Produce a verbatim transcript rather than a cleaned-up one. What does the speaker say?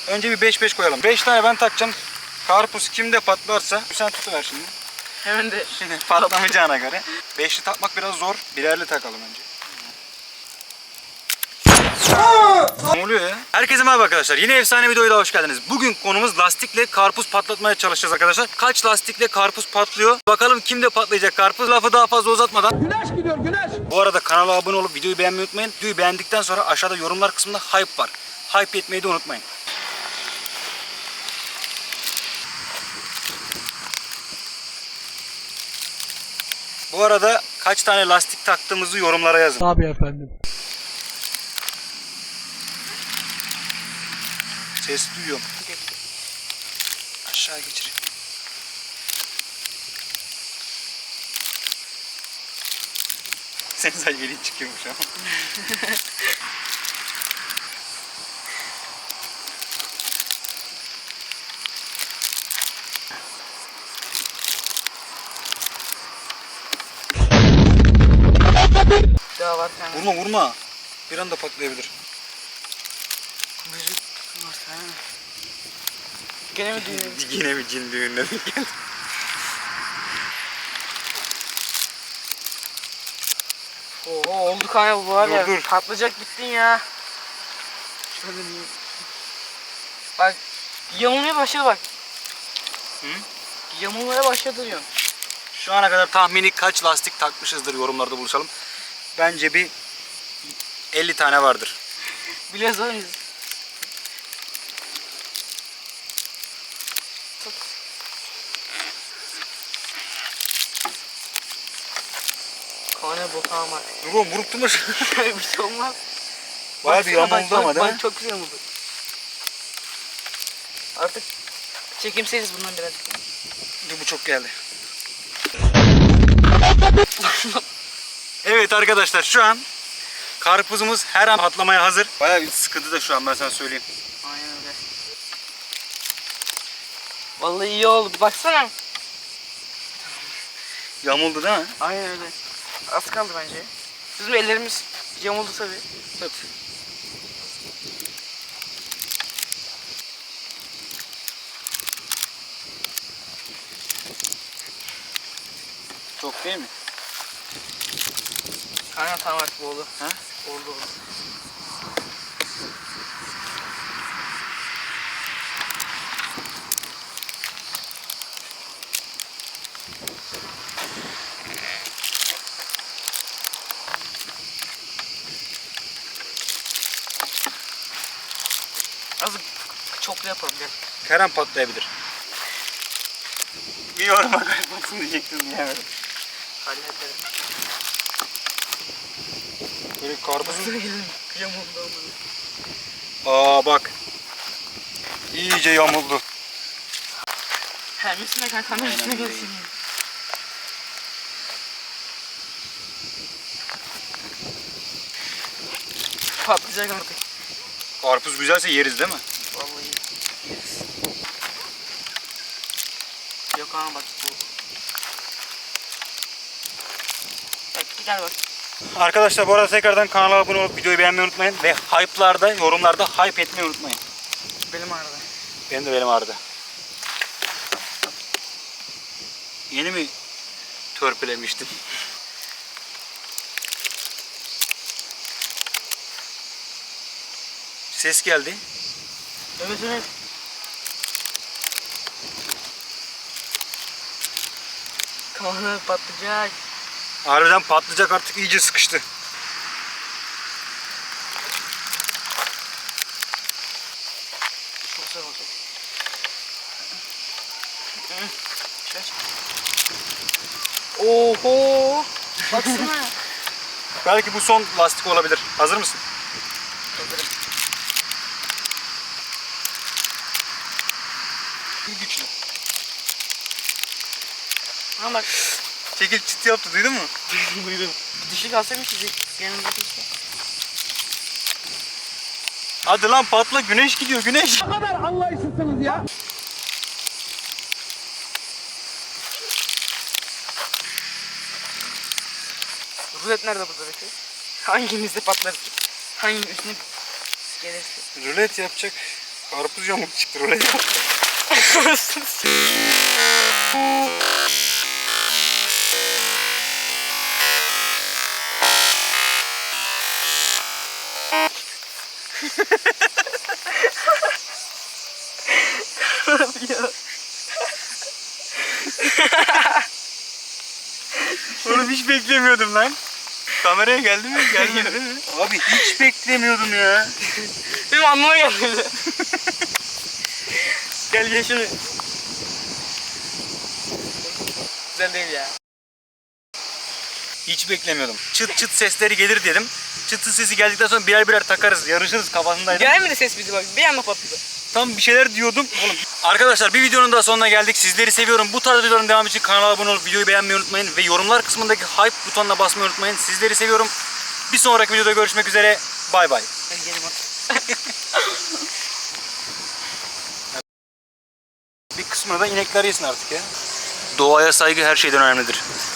Önce bir beş beş koyalım. beş tane ben takacağım. Karpuz kimde patlarsa sen tutuver şimdi. Hemen de Şimdi patlamayacağına göre. beşli takmak biraz zor. Birerli takalım önce. Ne oluyor ya? Herkese merhaba arkadaşlar. Yine efsane videoya da hoş geldiniz. Bugün konumuz lastikle karpuz patlatmaya çalışacağız arkadaşlar. Kaç lastikle karpuz patlıyor? Bakalım kimde patlayacak karpuz? Lafı daha fazla uzatmadan. Güneş gidiyor güneş. Bu arada kanala abone olup videoyu beğenmeyi unutmayın. Videoyu beğendikten sonra aşağıda yorumlar kısmında hype var. Hype etmeyi de unutmayın. Bu arada kaç tane lastik taktığımızı yorumlara yazın. Tabii efendim. Ses duyuyorum. Aşağı geçir. Senin sadece elin çıkıyormuş ama. daha var yani. Vurma vurma. Bir anda patlayabilir. Müzik nasıl ha? Gene mi düğün? Yine mi cin düğününe denk geldi? Oo oldu kanka bu var Dur, ya. dur. Patlayacak gittin ya. Şöyle diyeyim. Bak yamulmaya başladı bak. Hı? Yamulmaya başladı diyorum. Şu ana kadar tahmini kaç lastik takmışızdır yorumlarda buluşalım. Bence bir elli tane vardır. Biliyoruz oğlum biz. Tut. Kone bokan var. Dur oğlum vurup durma. Bir şey olmaz. Bayağı bir Baksana, yamuldu bak, ama bak, değil mi? bak, çok güzel yamuldu. Artık çekimseyiz bundan biraz. Dur bu çok geldi. Evet arkadaşlar şu an karpuzumuz her an patlamaya hazır. Bayağı bir sıkıntı da şu an ben sana söyleyeyim. Aynen öyle. Vallahi iyi oldu. Baksana. Yamuldu değil mi? Aynen öyle. Az kaldı bence. Bizim ellerimiz yamuldu tabii. Evet. Çok değil mi? Aynen tamam artık bu oldu. Ha? Oldu oldu. Azıcık çoklu yapalım gel. Her an patlayabilir. Bir yoruma kaybolsun diyecektim diyemedim. Halledelim. Böyle karpuzun... Elim yamuldu ama. Aa bak. İyice yamuldu. Hem üstüne kanka kamera Aynen üstüne öyle. gelsin. Patlayacak artık. Karpuz güzelse yeriz değil mi? Vallahi yeriz. Yok ama bak bu. Bak gel bak. Arkadaşlar bu arada tekrardan kanala abone olup videoyu beğenmeyi unutmayın. Ve hype'larda, yorumlarda hype etmeyi unutmayın. Benim ağrıdı. Benim de benim ağrıdı. Yeni mi törpülemiştin? Ses geldi. Evet evet. Kanı patlayacak. Harbiden patlayacak artık iyice sıkıştı. Çok güzel olacak. Şaş. Oho! Baksana. Belki bu son lastik olabilir. Hazır mısın? Hazırım. Bir güçlü. Ha bak. Çekil çıt yaptı duydun mu? Duydum. Dişi kalsaymış sizi. Yanımızdaki işte. Hadi lan patla, güneş gidiyor güneş. Ne kadar anlayışsızsınız ya. Rulet nerede burada peki? Hangimizde patlar? Hanginin üstüne gelirse? Rulet yapacak Karpuz yamuk çıktı oraya. Oğlum hiç beklemiyordum lan. Kameraya geldi mi? Gelmedi değil mi? Abi hiç beklemiyordum ya. Benim anlama geldi. Gel gel şunu. Güzel değil ya. Hiç beklemiyordum. Çıt çıt sesleri gelir dedim. Çıt çıt sesi geldikten sonra birer birer takarız, yarışırız kafasındaydım. Gelmedi ses bizi bak. Bir anda patladı. Tam bir şeyler diyordum. Oğlum. Arkadaşlar bir videonun daha sonuna geldik. Sizleri seviyorum. Bu tarz videoların devamı için kanala abone olup videoyu beğenmeyi unutmayın. Ve yorumlar kısmındaki hype butonuna basmayı unutmayın. Sizleri seviyorum. Bir sonraki videoda görüşmek üzere. Bay bay. Hadi gelin bak. Bir kısmını da inekler yesin artık ya. Doğaya saygı her şeyden önemlidir.